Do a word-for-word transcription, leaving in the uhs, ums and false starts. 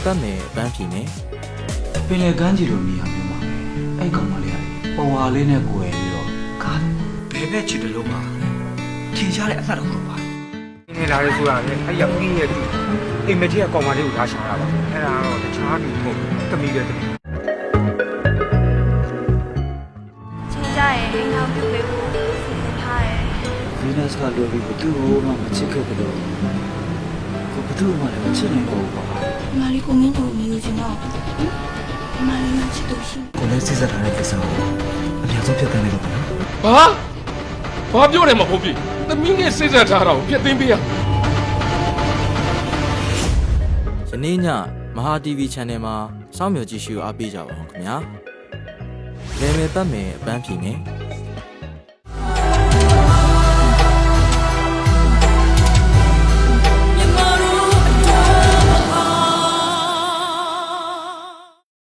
ပတ်မယ်အပန်းဖြေမယ်ပင်လေကမ်းခြေလိုနေရာမျိုးမှာအဲ့ကောင်မလေးကပေါ်ဝါလေးနဲ့ကိုယ်ပြီးတော့ကားဘယ်ဘက်ချစ်တယ်လို့ပါထင်ရှားတဲ့အမှတ်တော့ပါနေလာရဲဆိုတာလေအဲ့ရောက်ကြီးရဲ့သူအိမ်မကြီးကကောင်မလေးကိုထားရှာတာပါအဲ့ဒါတော့တခြားလူမဟုတ်ဘူးတမီးပဲတမီးချင်းကြရဲ့အိမ်အောင်ပြုတ်ပေးဖို့စီစဉ်ထားတယ်ဗီနပ်စ်ကလိုပြီးဘသူ့ကိုမှမချစ်ခဲ့ကြလို့ကိုဘသူ့မှလည်းမချစ်နိုင်တော့ဘူးပါ။မာလီကိုမင်းတို့မယူချင်တော့ဘူး။မာလီမချစ်လို့ရှိကိုလည်းစိတ်ဆက်ထားတဲ့ကိစ္စကိုအများဆုံးဖြစ်တဲ့နေတော့ပါနော်ဘာဘာပြောတယ်မဟုတ်ပြီသမီးနဲ့စိတ်ဆက်ထားတာကိုပြတ်သိမ်းပေးရယနေ့ညမဟာ တီဗီ Channel မှာစောင့်မျှော်ကြည့်ရှုအားပေးကြပါဦးခင်ဗျာလဲမယ်ပတ်မယ်အပန်းဖြေမယ်